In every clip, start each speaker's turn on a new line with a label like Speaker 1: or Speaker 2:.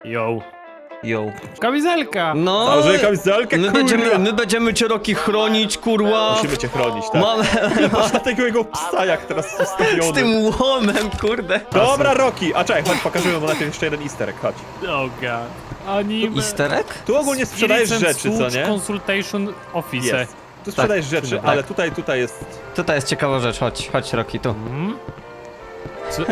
Speaker 1: Yo.
Speaker 2: Yo.
Speaker 1: Kamizelka!
Speaker 2: No,
Speaker 3: Założę kamizelkę,
Speaker 2: my będziemy cię, Roki, chronić, kurwa.
Speaker 3: Musimy cię chronić, tak?
Speaker 2: Mamy
Speaker 3: Patrz na tego jego psa, jak teraz ustawiony.
Speaker 2: z tym łomem, kurde.
Speaker 3: Dobra, Roki! A czekaj, chodź, pokażemy mu najpierw jeszcze jeden easter egg, chodź.
Speaker 1: Oh god. Anime.
Speaker 2: Easter egg?
Speaker 3: Tu ogólnie sprzedajesz
Speaker 1: Spirits and
Speaker 3: rzeczy, co
Speaker 1: Such
Speaker 3: nie?
Speaker 1: Consultation Office.
Speaker 3: Jest. Tu sprzedajesz rzeczy,
Speaker 2: tak.
Speaker 3: ale tutaj jest...
Speaker 2: Tutaj jest ciekawa rzecz, chodź Roki, tu.
Speaker 1: Co?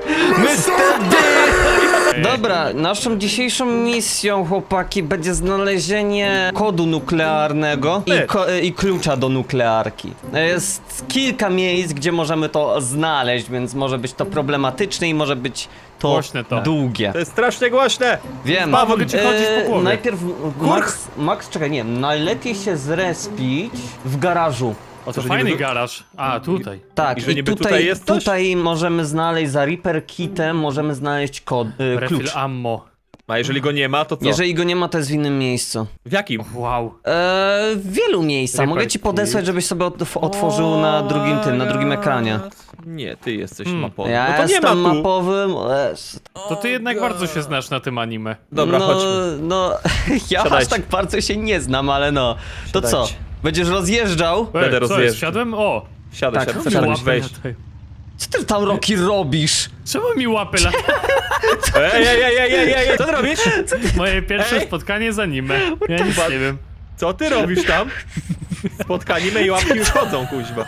Speaker 2: Dobra, naszą dzisiejszą misją, chłopaki, będzie znalezienie kodu nuklearnego i klucza do nuklearki. Jest kilka miejsc, gdzie możemy to znaleźć, więc może być to problematyczne i może być to
Speaker 1: Głośne to.
Speaker 2: długie.
Speaker 3: To jest strasznie głośne!
Speaker 2: Wiem.
Speaker 1: Pa, mogę ci chodzić po głowie.
Speaker 2: Najpierw Max, czekaj, nie, najlepiej się zrespić w garażu.
Speaker 1: O, to
Speaker 3: że
Speaker 1: fajny
Speaker 3: niby-
Speaker 1: garaż. A, tutaj.
Speaker 2: Tak,
Speaker 3: I że niby tutaj jest coś?
Speaker 2: tutaj możemy znaleźć za Reaper Kitem, możemy znaleźć kod,
Speaker 1: Refill
Speaker 2: klucz.
Speaker 1: ammo.
Speaker 3: A jeżeli go nie ma, to co?
Speaker 2: Jeżeli go nie ma, to jest w innym miejscu.
Speaker 3: W jakim?
Speaker 1: Wow.
Speaker 2: W wielu miejscach.
Speaker 1: Reaper
Speaker 2: Mogę ci podesłać,
Speaker 1: Kit.
Speaker 2: żebyś sobie otworzył na drugim ekranie.
Speaker 3: Nie, ty jesteś mapowy.
Speaker 2: Ja
Speaker 3: No to nie ma
Speaker 2: jestem
Speaker 3: tu.
Speaker 2: mapowym.
Speaker 1: To ty jednak bardzo się znasz na tym anime.
Speaker 3: Dobra,
Speaker 2: no,
Speaker 3: chodźmy.
Speaker 2: no, ja aż
Speaker 3: Siadajcie.
Speaker 2: tak bardzo się nie znam, ale no. To co?
Speaker 3: Siadajcie.
Speaker 2: Będziesz rozjeżdżał?
Speaker 3: Będę
Speaker 1: Co jest?
Speaker 3: rozjeżdżał.
Speaker 1: Wsiadłem? O!
Speaker 3: Siadaj,
Speaker 2: Tak,
Speaker 3: siadaj,
Speaker 2: siadaj.
Speaker 3: możesz wejść.
Speaker 2: Co ty tam, Roki, robisz?
Speaker 1: Czemu mi łapy latają?
Speaker 3: Ej, co ty robisz?
Speaker 1: Moje pierwsze
Speaker 3: Ej!
Speaker 1: spotkanie z anime. Ja nic nie wiem.
Speaker 3: Co ty robisz tam? Spotkanimy i łapki już chodzą, kuźba.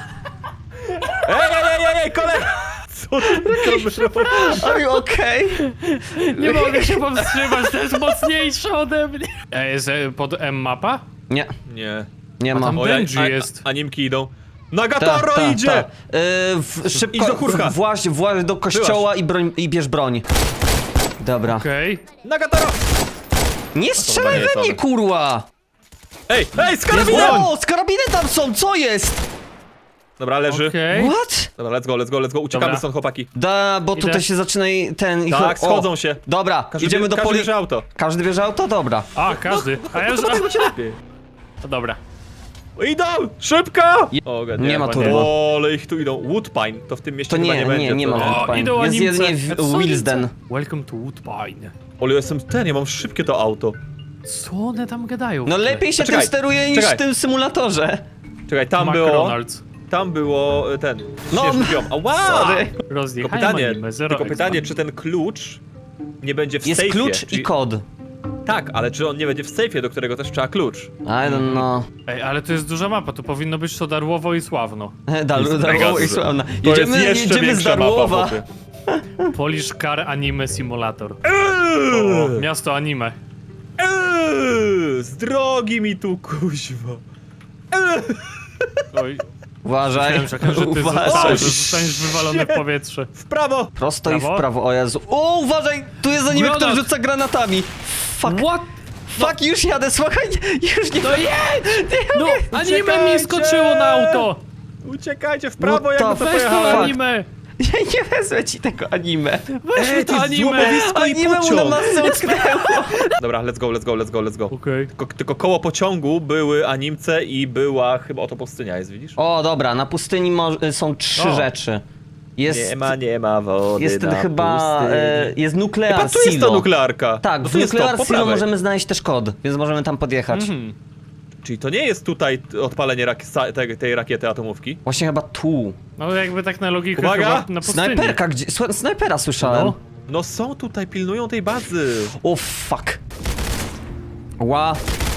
Speaker 3: Ej, kolega! Co ty robisz?
Speaker 2: Are you okay?
Speaker 1: Nie mogę się powstrzymać, to jest mocniejsze ode mnie. Jest pod M mapa?
Speaker 2: Nie,
Speaker 3: Nie.
Speaker 2: nie ma.
Speaker 1: tam-
Speaker 3: O,
Speaker 1: Benji jest.
Speaker 3: Animki idą. Nagatoro idzie!
Speaker 2: Szybko,
Speaker 3: Idź do kurka.
Speaker 2: właź do kościoła i bierz broń. Dobra.
Speaker 1: Okej.
Speaker 3: Nagatoro!
Speaker 2: Nie strzelaj
Speaker 3: nie jest
Speaker 2: we mnie,
Speaker 3: on.
Speaker 2: kurwa!
Speaker 3: Ej, z karabinem!
Speaker 2: O, z karabiny tam są, co jest?
Speaker 3: Dobra, leży.
Speaker 1: Okej.
Speaker 2: What?
Speaker 3: Dobra, let's go. Uciekamy
Speaker 1: Dobra.
Speaker 3: stąd, chłopaki.
Speaker 2: Da, bo
Speaker 1: Idę.
Speaker 2: tutaj się zaczyna ten...
Speaker 3: Tak, schodzą się.
Speaker 2: Dobra, idziemy do
Speaker 3: Każdy bierze auto.
Speaker 2: Każdy bierze auto? Dobra.
Speaker 1: A, każdy. A ja już...
Speaker 3: Będzie lepiej.
Speaker 1: A, dobra.
Speaker 3: Idą! Szybko! O,
Speaker 2: Nie ma
Speaker 3: chyba
Speaker 2: turbo.
Speaker 3: O, ale ich tu idą. Woodpine, to w tym mieście
Speaker 2: To
Speaker 3: chyba
Speaker 2: nie,
Speaker 3: nie będzie.
Speaker 2: nie
Speaker 3: co
Speaker 2: ma Woodpine.
Speaker 1: idą
Speaker 2: Jest
Speaker 1: animce.
Speaker 2: jedynie
Speaker 1: Co
Speaker 2: Wilsden.
Speaker 1: animce? Welcome to Woodbine.
Speaker 3: Ale jestem ja mam szybkie to auto.
Speaker 1: Co one tam gadają?
Speaker 2: No lepiej się tym
Speaker 3: Czekaj,
Speaker 2: steruje niż
Speaker 3: czekaj.
Speaker 2: w tym symulatorze.
Speaker 3: Czekaj, tam było ten.
Speaker 2: No,
Speaker 3: śnieżny biom. Ała!
Speaker 2: Sorry.
Speaker 3: Tylko
Speaker 1: Rozjechałem
Speaker 3: pytanie,
Speaker 1: anime, zero
Speaker 3: tylko
Speaker 1: expa.
Speaker 3: pytanie, czy ten klucz nie będzie w
Speaker 2: Jest
Speaker 3: sejfie?
Speaker 2: klucz
Speaker 3: Czyli-
Speaker 2: i kod.
Speaker 3: Tak, ale czy on nie będzie w sejfie, do którego też trzeba klucz?
Speaker 2: I don't know.
Speaker 1: Ej, ale to jest duża mapa, to powinno być to Darłowo i Sławno.
Speaker 2: Darłowo i sławna.
Speaker 3: To jest
Speaker 2: Jedziemy
Speaker 3: jeszcze
Speaker 2: z
Speaker 3: większa
Speaker 2: Darłowa.
Speaker 3: mapa, chłopie.
Speaker 1: Polish Car Anime Simulator. O, miasto anime.
Speaker 3: Z drogi mi tu, kuźwa.
Speaker 1: Oj,
Speaker 2: Uważaj,
Speaker 1: myślałem, że ty
Speaker 2: uważaj.
Speaker 1: zostaniesz wywalony w powietrze.
Speaker 3: W prawo!
Speaker 2: Prosto i w
Speaker 1: Prawo?
Speaker 2: prawo, o Jezu. O, uważaj, tu jest anime,
Speaker 1: Granat.
Speaker 2: który rzuca granatami. Fuck,
Speaker 1: What?
Speaker 2: fuck, już jadę, słuchaj, już nie...
Speaker 1: No jedź! No, anime
Speaker 3: Uciekajcie!
Speaker 1: mi skoczyło na auto!
Speaker 3: Uciekajcie w prawo,
Speaker 2: What
Speaker 3: jak
Speaker 2: the
Speaker 3: to
Speaker 1: Weź to
Speaker 3: pojechałem.
Speaker 1: anime!
Speaker 2: Ja nie wezmę ci tego anime.
Speaker 1: Weźmy
Speaker 3: Ej,
Speaker 1: to
Speaker 3: to jest
Speaker 1: anime!
Speaker 3: złomowisko i
Speaker 2: Anime mu na
Speaker 3: pociąg.
Speaker 2: masce utknęło.
Speaker 3: Dobra, let's go.
Speaker 1: Okej.
Speaker 3: Tylko koło pociągu były animce i była chyba oto pustynia jest, widzisz?
Speaker 2: O, dobra, na pustyni są trzy
Speaker 1: O.
Speaker 2: rzeczy. Jest,
Speaker 3: Nie ma wody
Speaker 2: jest
Speaker 3: na
Speaker 2: chyba,
Speaker 3: pustyni.
Speaker 2: jest nuklear
Speaker 3: Chyba tu jest
Speaker 2: silo.
Speaker 3: ta nuklearka.
Speaker 2: Tak,
Speaker 3: No
Speaker 2: w
Speaker 3: tu jest to,
Speaker 2: nuklear
Speaker 3: po
Speaker 2: silo
Speaker 3: prawej.
Speaker 2: możemy znaleźć też kod, więc możemy tam podjechać.
Speaker 3: Czyli to nie jest tutaj odpalenie tej rakiety atomówki.
Speaker 2: Właśnie chyba tu.
Speaker 1: No jakby tak na logikę
Speaker 3: Uwaga!
Speaker 1: chyba na pustyni.
Speaker 2: Snajperka, gdzie? Snajpera słyszałem.
Speaker 1: No.
Speaker 3: No są tutaj, pilnują tej bazy.
Speaker 2: O, fuck. Ła.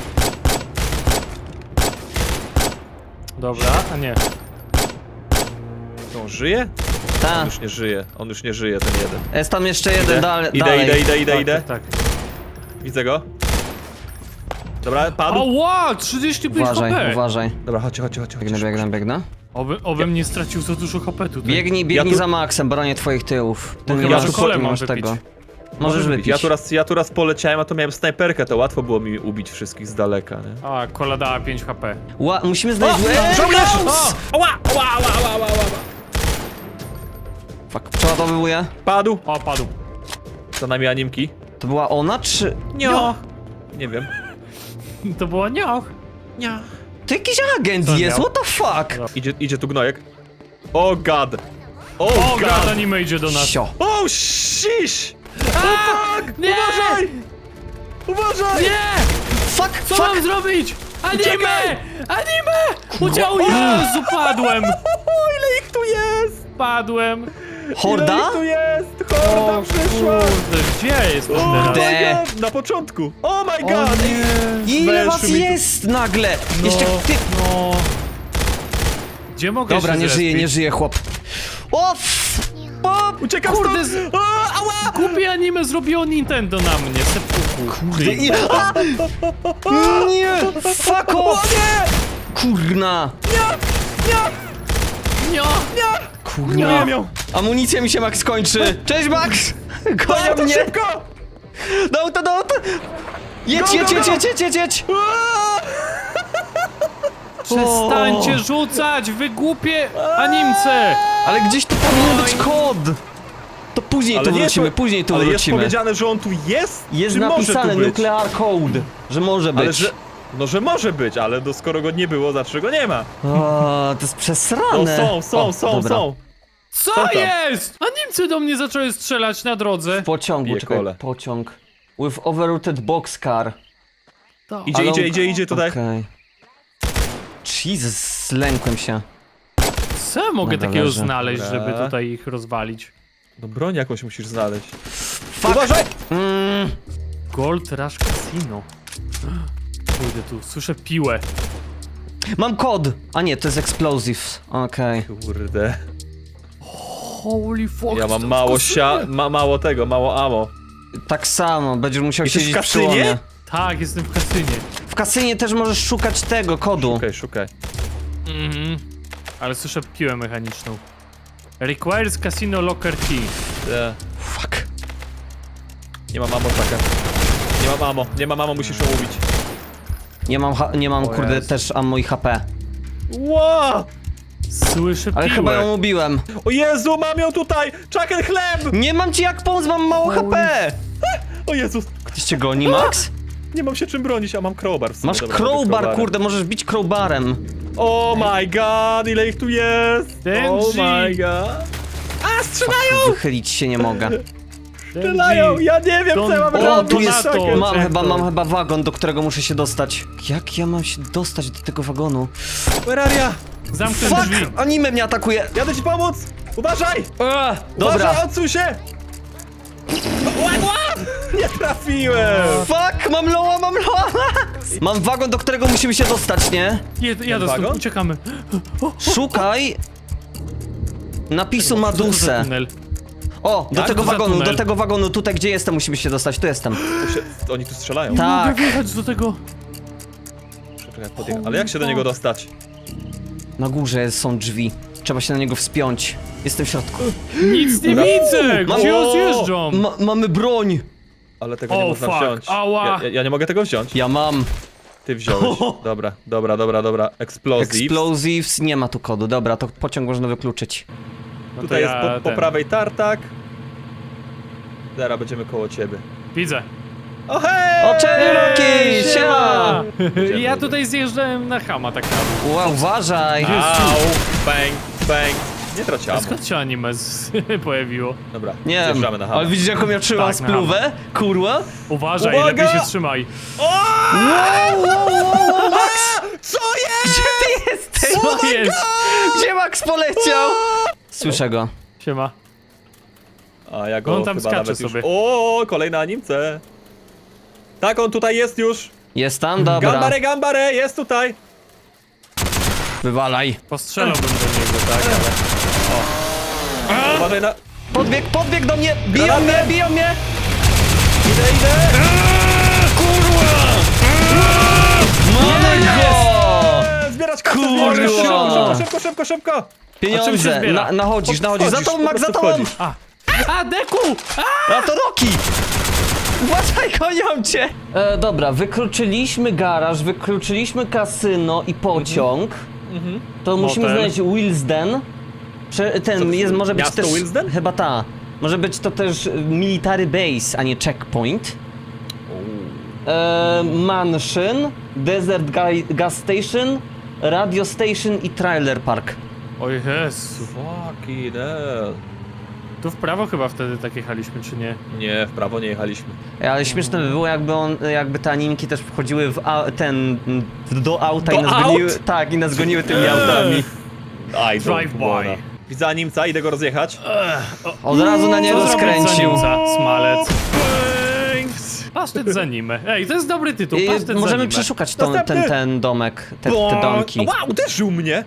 Speaker 1: Dobra, a nie.
Speaker 3: To on żyje?
Speaker 2: Ta.
Speaker 3: On już nie żyje, ten jeden.
Speaker 2: Jest tam jeszcze jeden
Speaker 3: Idę.
Speaker 2: dalej.
Speaker 3: Idę.
Speaker 1: Tak.
Speaker 3: Widzę go. Dobra, padł.
Speaker 1: Ała! 35
Speaker 2: Uważaj,
Speaker 1: HP!
Speaker 2: uważaj.
Speaker 3: Dobra, chodź.
Speaker 2: Biegnę.
Speaker 1: Obym nie stracił za dużo HP tutaj.
Speaker 2: Biegnij
Speaker 3: Ja tu-
Speaker 2: za Maxem, bronię twoich tyłów. Ty
Speaker 1: Bo
Speaker 2: nie
Speaker 1: chyba,
Speaker 2: masz,
Speaker 1: że kole
Speaker 2: nie
Speaker 1: mam
Speaker 2: masz
Speaker 1: wypić.
Speaker 2: tego. Możesz wypić.
Speaker 3: Ja tu raz poleciałem, a to miałem snajperkę, to łatwo było mi ubić wszystkich z daleka, nie?
Speaker 1: A, kola dała 5 HP.
Speaker 2: Musimy znaleźć...
Speaker 3: Żołnierz!
Speaker 2: Ghost!
Speaker 3: Ała!
Speaker 2: Fuck, przeładowuję.
Speaker 3: Padł.
Speaker 1: O, padł.
Speaker 3: Za nami animki.
Speaker 2: To była ona, czy...
Speaker 1: Nioch!
Speaker 3: Nie wiem.
Speaker 1: To było nioch.
Speaker 2: To jakiś agent
Speaker 1: Co
Speaker 2: jest,
Speaker 1: miał?
Speaker 2: what the fuck?
Speaker 3: Idzie tu gnojek. O god!
Speaker 1: O, gad anime idzie do nas.
Speaker 2: Sio.
Speaker 3: O shish!
Speaker 1: Nie!
Speaker 3: Uważaj!
Speaker 1: Nie!
Speaker 2: Fuck,
Speaker 1: Co
Speaker 2: fuck!
Speaker 1: mam zrobić? Anime!
Speaker 3: Uciekaj!
Speaker 1: Anime! Udział, Jezu, padłem!
Speaker 3: Ile ich tu jest?
Speaker 1: Padłem!
Speaker 3: Ile
Speaker 2: Horda?
Speaker 3: ich tu jest? Horda przyszła!
Speaker 1: kurde, gdzie jestem
Speaker 3: Oh
Speaker 1: teraz?
Speaker 2: Kurde.
Speaker 3: my god! Na początku! Oh my
Speaker 1: O
Speaker 3: god!
Speaker 1: nie!
Speaker 2: Ile was
Speaker 3: Weszły mi tu-
Speaker 2: jest nagle? Jeszcze ty...
Speaker 1: No. Gdzie mogę
Speaker 2: Dobra,
Speaker 1: się
Speaker 2: nie żyje,
Speaker 1: zrespić?
Speaker 2: nie żyje, chłop. O! O!
Speaker 3: Uciekam
Speaker 1: Kurde,
Speaker 3: stąd! O, ała!
Speaker 1: Głupie anime zrobiło Nintendo na mnie, sepuku.
Speaker 2: Kurde, i... A! Nie! Fuck
Speaker 3: O
Speaker 2: off!
Speaker 3: nie!
Speaker 2: Kurna!
Speaker 1: Nie!
Speaker 2: Kurna!
Speaker 3: Nie miał!
Speaker 2: Amunicja mi się Max kończy! Cześć Max! Gonią
Speaker 3: Dawaj,
Speaker 2: mnie!
Speaker 3: szybko!
Speaker 2: Do auta, do auta! Jedź,
Speaker 3: Go,
Speaker 2: jedź,
Speaker 3: go,
Speaker 2: jedź,
Speaker 3: go!
Speaker 2: jedź, jedź, jedź, jedź!
Speaker 3: Aaa!
Speaker 1: Przestańcie rzucać, wy głupie animce!
Speaker 2: Ale gdzieś tu powinien być kod! To później tu
Speaker 3: nie
Speaker 2: wrócimy,
Speaker 3: jest,
Speaker 2: później tu
Speaker 3: ale jest
Speaker 2: wrócimy.
Speaker 3: powiedziane, że on tu jest?
Speaker 2: Jest
Speaker 3: czy
Speaker 2: napisane
Speaker 3: może tu być?
Speaker 2: nuclear code, że może być.
Speaker 3: Ale że... No, że może być, ale no, skoro go nie było, znaczy go nie ma.
Speaker 2: O, to jest
Speaker 3: No
Speaker 2: przesrane.
Speaker 3: są,
Speaker 2: dobra.
Speaker 1: Co
Speaker 3: tam?
Speaker 1: jest? Animce do mnie zaczęły strzelać na drodze.
Speaker 2: W pociągu,
Speaker 3: Bije
Speaker 2: czekaj,
Speaker 3: kole.
Speaker 2: pociąg. With overrooted boxcar.
Speaker 3: Idzie,
Speaker 2: Ale on-
Speaker 3: idzie tutaj.
Speaker 2: Okej. Jesus, zlękłem się.
Speaker 1: Co ja mogę
Speaker 2: Dobra,
Speaker 1: takiego
Speaker 2: leży.
Speaker 1: znaleźć,
Speaker 3: Dobra.
Speaker 1: żeby tutaj ich rozwalić?
Speaker 3: No broń jakąś musisz znaleźć.
Speaker 2: Fuck.
Speaker 3: Uważaj!
Speaker 1: Gold Rush Casino. Pójdę tu, słyszę piłę.
Speaker 2: Mam kod! A nie, to jest explosives. Okej.
Speaker 3: Kurde.
Speaker 1: Holy fuck.
Speaker 3: Ja mam mało tego, mało ammo.
Speaker 2: Tak samo, będziesz musiał
Speaker 3: Jesteś
Speaker 2: siedzieć
Speaker 3: w
Speaker 2: przy łomie.
Speaker 3: kasynie?
Speaker 1: Tak, jestem w kasynie.
Speaker 2: W kasynie też możesz szukać tego kodu.
Speaker 3: Szukaj.
Speaker 1: Mhm. Ale słyszę piłę mechaniczną. Requires casino locker key.
Speaker 2: Fuck.
Speaker 3: Nie mam ammo, czekaj. Nie mam ammo, musisz ją ubić.
Speaker 2: Nie mam
Speaker 1: O
Speaker 2: kurde
Speaker 1: Jezu.
Speaker 2: też ammo i HP.
Speaker 3: Ło!
Speaker 1: Słyszę
Speaker 2: Ale
Speaker 1: piłę.
Speaker 2: chyba ją ubiłem.
Speaker 3: O Jezu, mam ją tutaj! Czaken chleb!
Speaker 2: Nie mam ci jak pomóc, mam mało HP!
Speaker 3: O Jezus!
Speaker 2: Ktoś cię goni, Max?
Speaker 3: Nie mam się czym bronić, a mam crowbar w sumie.
Speaker 2: Masz
Speaker 3: Dobra, robię
Speaker 2: crowbar,
Speaker 3: crowbarem.
Speaker 2: kurde, możesz bić crowbarem.
Speaker 3: Oh my god, ile ich tu jest!
Speaker 1: Denji!
Speaker 3: Oh my god! A, strzelają!
Speaker 2: Wychylić się nie mogę.
Speaker 3: Strzelają! Ja nie wiem, co ja mam
Speaker 1: O,
Speaker 2: O,
Speaker 3: robić!
Speaker 2: tu jest,
Speaker 3: Czaken.
Speaker 2: mam chyba wagon, do którego muszę się dostać. Jak ja mam się dostać do tego wagonu?
Speaker 3: Terraria!
Speaker 1: Zamknę
Speaker 2: Fuck!
Speaker 1: drzwi.
Speaker 2: Anime mnie atakuje!
Speaker 3: Jadę ci pomóc! Uważaj!
Speaker 2: Dobra.
Speaker 3: Uważaj, odsuń się! Nie trafiłem!
Speaker 2: Fuck! Mam loa! Mam wagon, do którego musimy się dostać, nie?
Speaker 1: Jadę stąd,
Speaker 3: wagon?
Speaker 1: uciekamy.
Speaker 2: Szukaj napisu
Speaker 1: Co to za
Speaker 2: Maduse.
Speaker 1: tunel?
Speaker 2: O, do
Speaker 1: Tak,
Speaker 2: tego
Speaker 1: to za
Speaker 2: wagonu,
Speaker 1: tunel.
Speaker 2: do tego wagonu, tutaj gdzie jestem, musimy się dostać, tu jestem.
Speaker 3: Oni tu strzelają.
Speaker 1: Nie
Speaker 2: Tak.
Speaker 1: mogę wjechać do tego.
Speaker 3: Czekaj, podjechać. Ale jak się do niego dostać?
Speaker 2: Na górze są drzwi. Trzeba się na niego wspiąć. Jestem w środku.
Speaker 1: Nic nie widzę!
Speaker 2: Mam-
Speaker 1: Gdzie
Speaker 3: O!
Speaker 1: zjeżdżam?
Speaker 2: Mamy broń!
Speaker 3: Ale tego nie
Speaker 1: O,
Speaker 3: można
Speaker 1: fuck,
Speaker 3: wziąć.
Speaker 1: ała.
Speaker 3: Ja nie mogę tego wziąć.
Speaker 2: Ja mam.
Speaker 3: Ty wziąłeś. Dobra. Explosive.
Speaker 2: Explosives, nie ma tu kodu. Dobra, to pociąg można wykluczyć.
Speaker 1: No to
Speaker 3: Tutaj
Speaker 1: ja
Speaker 3: jest po prawej tartak. Zaraz będziemy koło ciebie.
Speaker 1: Widzę.
Speaker 3: O hej!
Speaker 2: O, Cherokee! Siema!
Speaker 1: Ja tutaj zjeżdżałem na Hama tak naprawdę.
Speaker 2: Ła, uważaj!
Speaker 3: Au! Bang, bang. Nie trać
Speaker 1: A
Speaker 3: ammo.
Speaker 1: skąd się anime pojawiło?
Speaker 3: Dobra,
Speaker 2: Nie wiem,
Speaker 3: zjeżdżamy na hamę.
Speaker 2: ale widzisz jaką ja trzymam
Speaker 1: Tak,
Speaker 2: spluwę? Kurwa?
Speaker 1: Uważaj,
Speaker 3: Uwaga!
Speaker 1: lepiej się trzymaj.
Speaker 2: Wow, Max!
Speaker 3: Co jest?
Speaker 2: Gdzie ty jesteś?
Speaker 1: Co jest?
Speaker 2: Gdzie Max poleciał? Słyszę go.
Speaker 1: Siema.
Speaker 3: A ja go
Speaker 1: On tam
Speaker 3: chyba
Speaker 1: skacze
Speaker 3: nawet już...
Speaker 1: sobie.
Speaker 3: O, kolejna animce. Tak, on tutaj jest już.
Speaker 2: Jest tam? Dobra.
Speaker 3: Gambare, jest tutaj.
Speaker 2: Wywalaj.
Speaker 1: Postrzelałbym do niego, tak, ale...
Speaker 3: Uważaj na...
Speaker 2: Podbieg do mnie! Biją
Speaker 3: Granaty!
Speaker 2: mnie, biją mnie!
Speaker 3: Idę.
Speaker 2: Mamy go!
Speaker 3: Zbierać kasę,
Speaker 2: Kurwa!
Speaker 3: zbierać. Szybko.
Speaker 1: A czym się
Speaker 2: Pieniądze!
Speaker 1: zbiera?
Speaker 2: Nachodzisz. Za tobą, Max, za tobą!
Speaker 1: A, Deku!
Speaker 2: A to Roki! Uważaj, gonią cię! Dobra, wykluczyliśmy garaż, wykluczyliśmy kasyno i pociąg. To musimy
Speaker 1: Motel.
Speaker 2: znaleźć Willesden. Ten jest, może być
Speaker 3: Miasto
Speaker 2: też...
Speaker 3: Willesden?
Speaker 2: Chyba ta. Może być to też military base, a nie checkpoint. Mansion, Desert Gas Station, Radio Station i Trailer Park.
Speaker 1: O Jezu.
Speaker 3: Fucking hell.
Speaker 1: Tu w prawo chyba wtedy tak jechaliśmy, czy nie?
Speaker 3: Nie, w prawo nie jechaliśmy.
Speaker 2: Ale śmieszne by było, jakby te animki też wchodziły do auta i
Speaker 3: Do
Speaker 2: nas
Speaker 3: aut?
Speaker 2: goniły. Tak, i nas goniły tymi autami.
Speaker 3: Aj,
Speaker 1: Drive-by.
Speaker 3: Widzę Animca, idę go rozjechać.
Speaker 2: Od razu na niego
Speaker 1: Co zrobić za
Speaker 2: skręcił.
Speaker 1: Nimca? Smalec. Pasztet za nimę. Ej, to jest dobry tytuł, pasztet za
Speaker 2: Możemy
Speaker 1: nimę.
Speaker 2: przeszukać
Speaker 3: Następny.
Speaker 2: ten domek, te domki.
Speaker 3: Wow, uderzył mnie!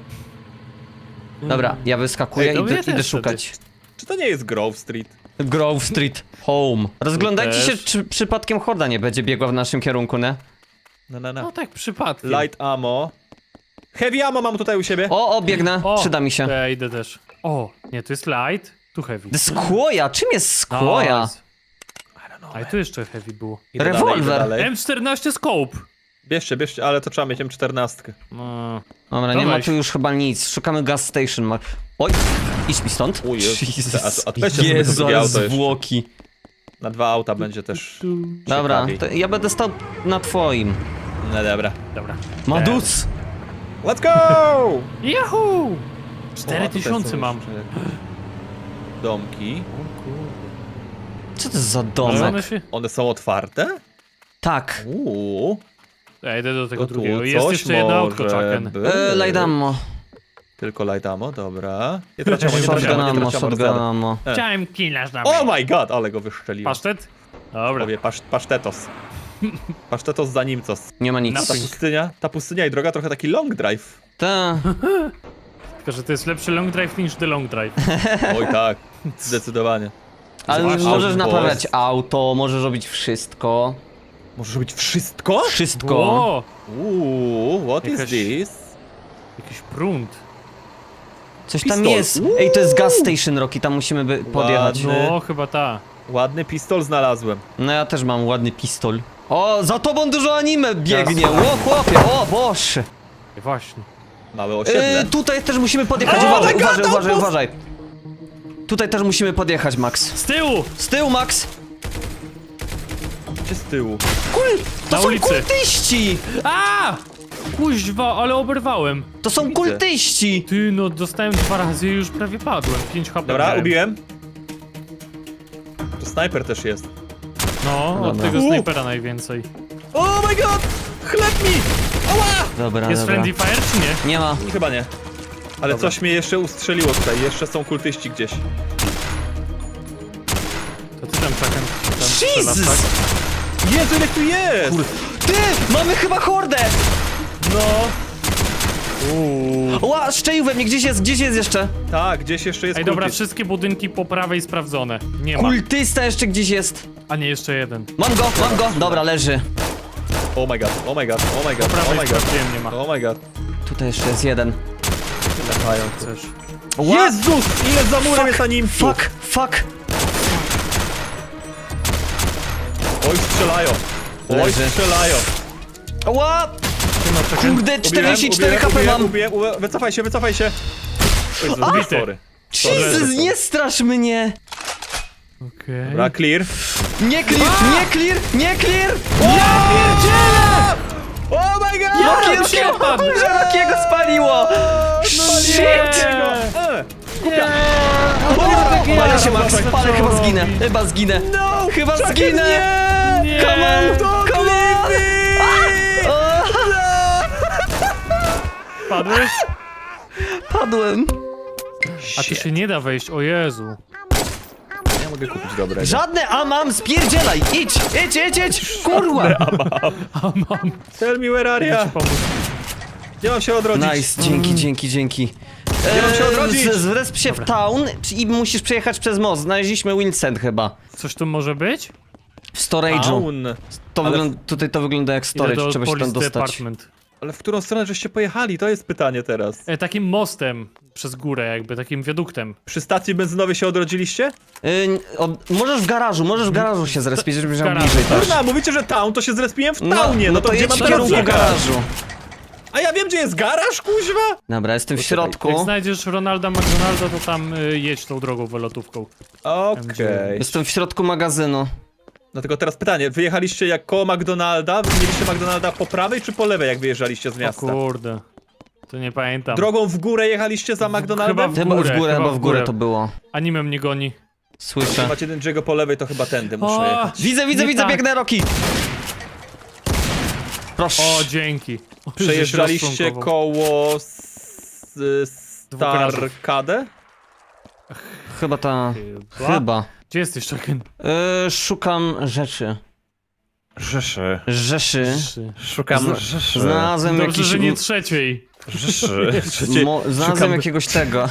Speaker 2: Dobra, ja wyskakuję
Speaker 1: Ej, to mnie
Speaker 2: i idę
Speaker 1: też
Speaker 2: szukać.
Speaker 3: Czy to nie jest Grove Street?
Speaker 2: Grove Street Home. Rozglądajcie
Speaker 1: też.
Speaker 2: się, czy przypadkiem horda nie będzie biegła w naszym kierunku, nie?
Speaker 1: No tak, przypadkiem.
Speaker 3: Light ammo. Heavy ammo mam tutaj u siebie.
Speaker 2: O, biegnę,
Speaker 1: O,
Speaker 2: przyda mi się.
Speaker 1: to ja idę też. O, nie, tu jest light, tu heavy.
Speaker 2: Skłoja, czym jest skłoja?
Speaker 1: Nice. A i tu jeszcze heavy było.
Speaker 3: Idę
Speaker 2: rewolwer.
Speaker 3: Dalej, idę dalej.
Speaker 1: M14 scope.
Speaker 3: Bierzcie, ale to trzeba mieć M14.
Speaker 1: No.
Speaker 2: Dobra,
Speaker 1: To
Speaker 2: nie ma
Speaker 1: weź.
Speaker 2: tu już chyba nic. Szukamy gas station. Oj, idź mi stąd.
Speaker 3: O Jezu.
Speaker 2: Jesus.
Speaker 3: A weźcie sobie to
Speaker 2: Jezu,
Speaker 3: drugie
Speaker 2: ale
Speaker 3: auto jeszcze.
Speaker 2: zwłoki.
Speaker 3: Na 2 auta będzie też
Speaker 2: Dobra,
Speaker 3: ciekawiej.
Speaker 2: to ja będę stał na twoim.
Speaker 3: No dobra.
Speaker 1: Dobra.
Speaker 2: Madus!
Speaker 3: Let's go!
Speaker 1: Yahoo!
Speaker 3: O, a tutaj
Speaker 1: 4000
Speaker 3: są
Speaker 1: mam.
Speaker 3: jeszcze domki.
Speaker 2: Co to jest za
Speaker 1: Ale
Speaker 2: domek?
Speaker 1: one się...
Speaker 3: One są otwarte?
Speaker 2: Tak.
Speaker 1: Ja idę do tego
Speaker 3: To tu
Speaker 1: drugiego. Jest
Speaker 3: coś
Speaker 1: jeszcze jedno autko,
Speaker 3: może
Speaker 1: Chucken.
Speaker 3: być.
Speaker 2: Lajdammo.
Speaker 3: Tylko light ammo, dobra. Nie traciamo, nie
Speaker 2: Shotgun
Speaker 3: traciamo, nie
Speaker 2: ammo,
Speaker 3: traciamo.
Speaker 2: shotgun ammo.
Speaker 1: Chciałem killać na
Speaker 3: Oh my god, ale go wystrzeliłem.
Speaker 1: Pasztet? Dobra.
Speaker 3: Powie, pasztetos. Pasztetos za nimcos.
Speaker 2: Nie ma
Speaker 3: Ta
Speaker 2: nic.
Speaker 3: pustynia i droga trochę taki long drive.
Speaker 2: Ta.
Speaker 1: Tylko, że to jest lepszy long drive niż the long drive.
Speaker 3: Oj tak, zdecydowanie.
Speaker 2: Ale
Speaker 3: Zwłaszcza
Speaker 2: możesz
Speaker 3: w
Speaker 2: naprawiać
Speaker 3: Polsce.
Speaker 2: auto, możesz robić wszystko.
Speaker 3: Możesz robić wszystko?
Speaker 2: Wszystko.
Speaker 1: O,
Speaker 3: What is
Speaker 1: Jakaś-
Speaker 3: this?
Speaker 1: jakiś prąd.
Speaker 2: Coś tam
Speaker 3: Pistol.
Speaker 2: jest. Ej, to jest gas station, Rocky, tam musimy podjechać.
Speaker 3: Ładny.
Speaker 1: No, chyba ta.
Speaker 3: Ładny pistol znalazłem.
Speaker 2: No ja też mam ładny pistol. O, za tobą dużo anime biegnie. O, chłopie, o, boże.
Speaker 1: Właśnie.
Speaker 3: Małe osiedle.
Speaker 2: Tutaj też musimy podjechać.
Speaker 3: O,
Speaker 2: Uważaj,
Speaker 3: my God,
Speaker 2: uważaj, uważaj,
Speaker 3: outpost!
Speaker 2: uważaj. Tutaj też musimy podjechać, Max.
Speaker 1: Z tyłu!
Speaker 2: Z tyłu, Max.
Speaker 3: Gdzie z tyłu?
Speaker 2: To
Speaker 1: Na
Speaker 2: są
Speaker 1: ulicy.
Speaker 2: kultyści!
Speaker 1: A! Kuźwa, ale oberwałem.
Speaker 2: To są
Speaker 3: Widzę.
Speaker 2: kultyści!
Speaker 1: Ty, no dostałem 2 razy i już prawie padłem. 5 HP
Speaker 3: Dobra,
Speaker 1: miałem.
Speaker 3: ubiłem. To snajper też jest.
Speaker 1: No, od
Speaker 2: Dobra.
Speaker 1: tego snajpera najwięcej.
Speaker 3: Oh my god! Chleb mi! Ała!
Speaker 2: Dobra,
Speaker 1: Jest
Speaker 2: dobra.
Speaker 1: friendly fire czy nie?
Speaker 2: Nie ma.
Speaker 3: Chyba nie. Ale
Speaker 1: Dobra.
Speaker 3: coś mnie jeszcze ustrzeliło tutaj. Jeszcze są kultyści gdzieś.
Speaker 1: To ty tam Chucken tam strzelasz,
Speaker 2: Jesus!
Speaker 1: tak?
Speaker 3: Jezu, ile tu jest!
Speaker 2: Ty! Mamy chyba hordę!
Speaker 3: No.
Speaker 2: Ła, szczelił we mnie, gdzieś jest jeszcze.
Speaker 3: Tak, gdzieś jeszcze jest
Speaker 1: Ej, dobra,
Speaker 3: kultyst.
Speaker 1: wszystkie budynki po prawej sprawdzone. Nie ma.
Speaker 2: Kultysta jeszcze gdzieś jest.
Speaker 1: A nie, jeszcze jeden.
Speaker 2: Mam go. Dobra, leży.
Speaker 3: Oh my god, oh my god, oh my god,
Speaker 1: Po prawej
Speaker 3: oh my god.
Speaker 1: sprawdziłem, nie ma.
Speaker 3: Oh my god.
Speaker 2: Tutaj jeszcze jest jeden.
Speaker 3: Latają.
Speaker 1: Chcesz.
Speaker 2: Ła-
Speaker 3: Jezus! Ile za murem jest na nim?
Speaker 2: Fuck.
Speaker 3: Oj, strzelają. Oj,
Speaker 2: Leży.
Speaker 3: strzelają.
Speaker 2: Ła!
Speaker 1: Ty ma Chucken.
Speaker 2: Kurde, 44 HP mam.
Speaker 3: Ubiłem. Wycofaj się, wycofaj się. Jezu,
Speaker 1: Ubity.
Speaker 3: sorry.
Speaker 2: Jesus, nie strasz mnie!
Speaker 1: Okej.
Speaker 3: Dobra, clear.
Speaker 2: Nie clear!
Speaker 3: Oh my god!
Speaker 1: Ja się padł!
Speaker 2: Rockiego spaliło! Shit!
Speaker 3: Kupia!
Speaker 2: Palę się, Max, chyba zginę.
Speaker 3: No!
Speaker 2: Chyba
Speaker 3: Chucken,
Speaker 2: zginę!
Speaker 3: nie!
Speaker 2: Come on!
Speaker 3: Don't
Speaker 2: Come
Speaker 3: leave
Speaker 2: on!
Speaker 3: me!
Speaker 1: Padłeś?
Speaker 2: Padłem.
Speaker 1: A tu się nie da wejść, o Jezu.
Speaker 3: Ja mogę kupić dobrego.
Speaker 2: Żadne mam, spierdzielaj! Idź! Kurwa!
Speaker 3: Tell me where are ya?
Speaker 1: Pomóż.
Speaker 3: Nie mam się odrodzić.
Speaker 2: Nice, dzięki.
Speaker 3: Nie mam się odrodzić.
Speaker 2: Zresp się w town i musisz przejechać przez most. Znaleźliśmy Wilson chyba.
Speaker 1: Coś tu może być?
Speaker 2: W storage'u.
Speaker 3: Down. Ale-
Speaker 2: Tutaj to wygląda jak
Speaker 1: Idę
Speaker 2: storage,
Speaker 1: do
Speaker 2: trzeba się tam
Speaker 1: police
Speaker 2: dostać.
Speaker 1: department.
Speaker 3: Ale w którą stronę żeście pojechali? To jest pytanie teraz.
Speaker 1: Takim mostem przez górę jakby, takim wiaduktem.
Speaker 3: Przy stacji benzynowej się odrodziliście?
Speaker 2: Możesz w garażu się zrespić, żebyś miał
Speaker 1: garażu,
Speaker 2: bliżej też.
Speaker 3: Kurna, mówicie, że town, to się zrespiłem w townie. No to gdzie
Speaker 2: jedź
Speaker 3: mam
Speaker 2: w
Speaker 3: teraz
Speaker 2: kierunku
Speaker 3: jechać?
Speaker 2: garażu.
Speaker 3: A ja wiem, gdzie jest garaż, kuźwa?
Speaker 2: Dobra, jestem w
Speaker 3: Poczekaj,
Speaker 1: Jak
Speaker 2: środku.
Speaker 1: znajdziesz Ronalda McDonalda, to tam jedź tą drogą wylotówką.
Speaker 3: Okej.
Speaker 2: Jestem w środku magazynu.
Speaker 3: Dlatego teraz pytanie, wyjechaliście jak koło McDonalda? Mieliście McDonalda po prawej czy po lewej, jak wyjeżdżaliście z
Speaker 1: O
Speaker 3: miasta?
Speaker 1: kurde. To nie pamiętam.
Speaker 3: Drogą w górę jechaliście za McDonaldem?
Speaker 1: Chyba
Speaker 2: Chyba w górę
Speaker 1: chyba
Speaker 2: to było.
Speaker 1: Anime mnie goni.
Speaker 2: Słyszę.
Speaker 3: Macie Denjiego po lewej, to chyba tędy muszę
Speaker 1: O,
Speaker 3: jechać.
Speaker 2: Widzę,
Speaker 1: Nie tak.
Speaker 2: biegnę, Roki! Proszę.
Speaker 1: O, dzięki. O,
Speaker 3: Przejeżdżaliście
Speaker 1: żeś rozczłonkował.
Speaker 3: koło
Speaker 1: garażów.
Speaker 3: Starkadę?
Speaker 2: Chyba ta...
Speaker 1: Chyba.
Speaker 2: Chyba.
Speaker 1: Gdzie jesteś, Chucken?
Speaker 2: Szukam rzeczy.
Speaker 3: Rzeszy.
Speaker 2: Rzeszy.
Speaker 3: Szukam rzeszy.
Speaker 2: Znalazłem
Speaker 1: Dobrze,
Speaker 2: jakiś...
Speaker 1: że nie trzeciej.
Speaker 3: Rzeszy.
Speaker 2: Znalazłem
Speaker 3: Szukam-
Speaker 2: jakiegoś tego.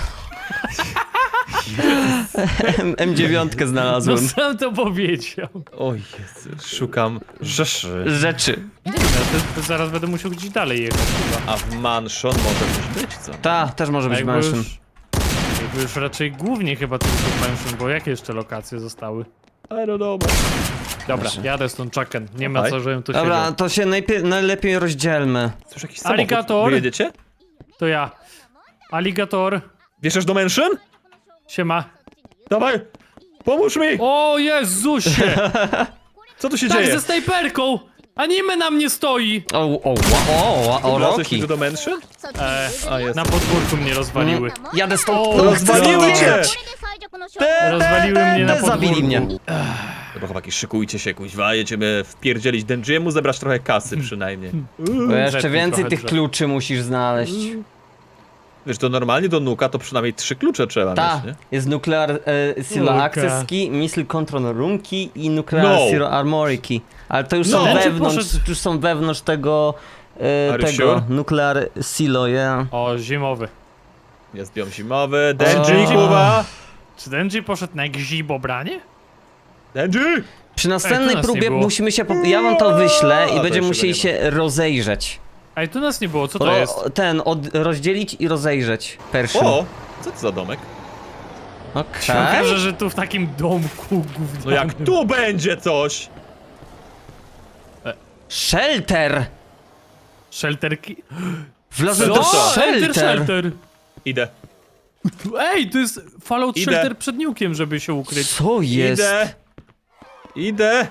Speaker 2: M9
Speaker 1: No
Speaker 2: znalazłem.
Speaker 1: sam to powiedział.
Speaker 3: O Jezu, szukam rzeszy.
Speaker 2: Rzeczy.
Speaker 1: Nie wiem, to zaraz będę musiał gdzieś dalej jechać chyba.
Speaker 3: A w mansion może coś być, co?
Speaker 2: Ta, też może być
Speaker 1: Jakby
Speaker 2: mansion.
Speaker 1: jakby już raczej głównie chyba tylko mansion, bo jakie jeszcze lokacje zostały?
Speaker 3: I don't know.
Speaker 1: Dobra, jadę stąd, Chucken. Nie ma
Speaker 3: Dawaj.
Speaker 1: co, żebym tu
Speaker 2: Dobra,
Speaker 1: siedział.
Speaker 2: to się najlepiej rozdzielmy.
Speaker 3: Cóż, jakiś samochód.
Speaker 1: Aligator.
Speaker 3: Wy jedziecie?
Speaker 1: To ja. Aligator.
Speaker 3: Wjeżdżasz do mansion?
Speaker 1: Siema.
Speaker 3: Dawaj! Pomóż mi!
Speaker 1: O Jezusie!
Speaker 3: Co tu się
Speaker 1: Tak,
Speaker 3: dzieje?
Speaker 1: ze snajperką! Anime na mnie stoi!
Speaker 2: O,
Speaker 3: Wlazłeś
Speaker 2: Roki.
Speaker 3: mi tu do mansion? A jest.
Speaker 1: Na podwórku mnie rozwaliły.
Speaker 2: Jadę stąd.
Speaker 1: O,
Speaker 2: No,
Speaker 3: rozwaliły
Speaker 2: chcę
Speaker 3: cię!
Speaker 2: wiedzieć.
Speaker 1: Rozwaliły mnie na
Speaker 2: Zabili
Speaker 1: podwórku.
Speaker 2: mnie.
Speaker 3: Dobra, chłopaki, szykujcie się, kuźwa, jedziemy wpierdzielić Denjiemu, zebrać trochę kasy przynajmniej.
Speaker 2: Bo jeszcze
Speaker 1: Zetnij
Speaker 2: więcej
Speaker 1: trochę
Speaker 2: tych
Speaker 1: drzew.
Speaker 2: kluczy musisz znaleźć.
Speaker 3: Wiesz, to normalnie do Nuka to przynajmniej 3 klucze trzeba
Speaker 2: Ta,
Speaker 3: mieć, nie?
Speaker 2: jest Nuclear Silo
Speaker 1: Luka.
Speaker 2: Access Key, Missile Control Room Key i Nuclear
Speaker 3: No.
Speaker 2: Silo Armory Key. Ale to już
Speaker 3: No.
Speaker 2: są
Speaker 3: Ten
Speaker 1: czy
Speaker 2: wewnątrz,
Speaker 1: poszedł-
Speaker 2: już są wewnątrz tego,
Speaker 3: Are you
Speaker 2: tego
Speaker 3: sure?
Speaker 2: Nuclear Silo, yeah.
Speaker 1: O, zimowy.
Speaker 3: Jest biom zimowy, Denji,
Speaker 2: O.
Speaker 3: Kuba!
Speaker 1: Czy Denji poszedł na gzibobranie?
Speaker 3: Denji!
Speaker 2: Przy następnej
Speaker 1: nas nie
Speaker 2: próbie
Speaker 1: było.
Speaker 2: musimy się, ja wam to wyślę
Speaker 3: to
Speaker 2: i będziemy
Speaker 3: jeszcze
Speaker 2: musieli
Speaker 3: go nie
Speaker 2: się rozejrzeć.
Speaker 1: Ej, tu nas nie było, co to jest?
Speaker 2: Rozdzielić i rozejrzeć. Perszym.
Speaker 3: O! Co to za domek?
Speaker 2: Okej.
Speaker 1: Okaże, że tu w takim domku gównianym.
Speaker 3: No jak tu będzie coś!
Speaker 2: Shelter!
Speaker 1: Shelterki...
Speaker 2: Wlazłem
Speaker 3: Co?
Speaker 2: do
Speaker 1: Co? Enter
Speaker 2: shelter!
Speaker 1: shelter!
Speaker 3: Idę.
Speaker 1: Ej, to jest Fallout
Speaker 3: Idę.
Speaker 1: Shelter przed niukiem, żeby się ukryć.
Speaker 2: Co jest?
Speaker 3: Idę. Idę.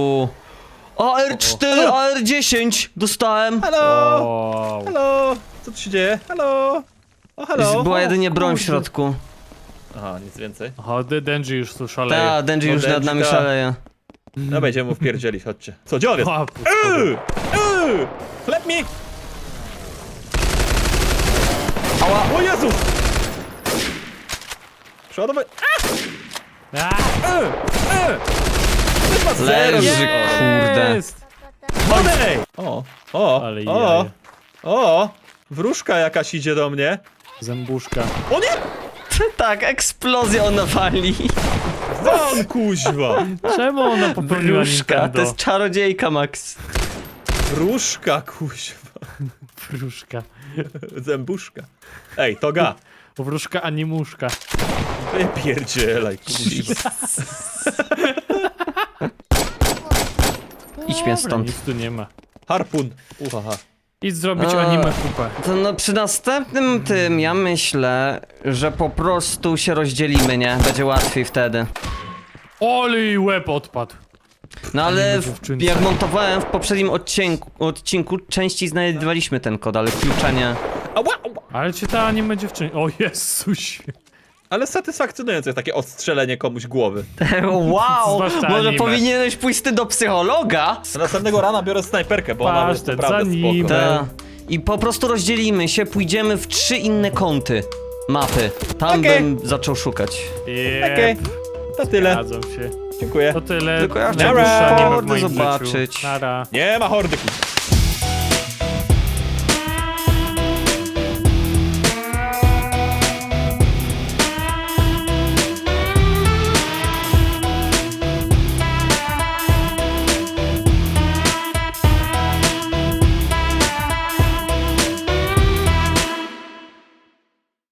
Speaker 2: AR4, AR10 dostałem.
Speaker 3: Halo!
Speaker 1: Wow.
Speaker 3: Halo! Co tu się dzieje? Halo! O, halo!
Speaker 2: Była jedynie broń w
Speaker 1: kurde.
Speaker 2: środku.
Speaker 3: Aha, nic więcej.
Speaker 1: Aha, Denji już tu szaleje.
Speaker 2: Ta, Denji
Speaker 3: No,
Speaker 2: już nad
Speaker 3: Denji,
Speaker 2: nami
Speaker 3: ta.
Speaker 2: szaleje.
Speaker 3: No będziemy mu wpierdzielić, chodźcie. Co, gdzie on jest?
Speaker 1: O,
Speaker 3: Chleb mi!
Speaker 2: Ała.
Speaker 3: O Jezu! Przeładować.
Speaker 1: A,
Speaker 2: Leży, kurde.
Speaker 1: jest!
Speaker 3: Odejdź! O,
Speaker 1: Ale
Speaker 3: o,
Speaker 1: jaja.
Speaker 3: o! Wróżka jakaś idzie do mnie.
Speaker 1: Zębuszka.
Speaker 3: O nie!
Speaker 2: Tak, eksplozja ona wali.
Speaker 3: Won, kuźwa!
Speaker 1: Czemu ona popełniła
Speaker 2: Wróżka, to
Speaker 1: Nintendo?
Speaker 2: jest czarodziejka, Max.
Speaker 3: Wróżka, kuźwa.
Speaker 1: Wróżka.
Speaker 3: Zębuszka. Ej, toga.
Speaker 1: Wróżka animuszka.
Speaker 3: Wypierdzielaj, kuźwa.
Speaker 2: Idź mnie
Speaker 1: Dobra,
Speaker 2: stąd.
Speaker 1: nic tu nie ma.
Speaker 3: Harpun. Uhaha.
Speaker 1: Idź zrobić
Speaker 2: A.
Speaker 1: anime kupę.
Speaker 2: To no przy następnym tym ja myślę, że po prostu się rozdzielimy, nie? Będzie łatwiej wtedy.
Speaker 1: Oli, łeb odpadł.
Speaker 2: No ale
Speaker 1: Anime dziewczynce.
Speaker 2: jak montowałem w poprzednim odcinku częściej znajdowaliśmy ten kod, ale klucza nie.
Speaker 3: Ała, ała.
Speaker 1: Ale czy ta anime dziewczyna... O Jezusie.
Speaker 3: Ale satysfakcjonujące jest takie ostrzelenie komuś głowy.
Speaker 2: Wow!
Speaker 1: Zwłaszcza
Speaker 2: Może
Speaker 1: anime.
Speaker 2: powinieneś pójść ty do psychologa?
Speaker 3: Następnego rana biorę snajperkę, bo ona jest
Speaker 1: Pasztet,
Speaker 3: naprawdę
Speaker 1: za nim.
Speaker 3: spoko.
Speaker 2: Ta. I po prostu rozdzielimy się, pójdziemy w 3 inne kąty mapy. Tam
Speaker 3: Okej.
Speaker 2: bym zaczął szukać.
Speaker 3: Okej, to tyle.
Speaker 1: Zgadzam się.
Speaker 3: Dziękuję.
Speaker 1: To tyle.
Speaker 2: Tylko ja
Speaker 3: chciałem
Speaker 1: Najdłuższe anime w
Speaker 2: hordy
Speaker 1: moim
Speaker 2: zobaczyć.
Speaker 1: życiu. Nara.
Speaker 3: Nie ma hordyki.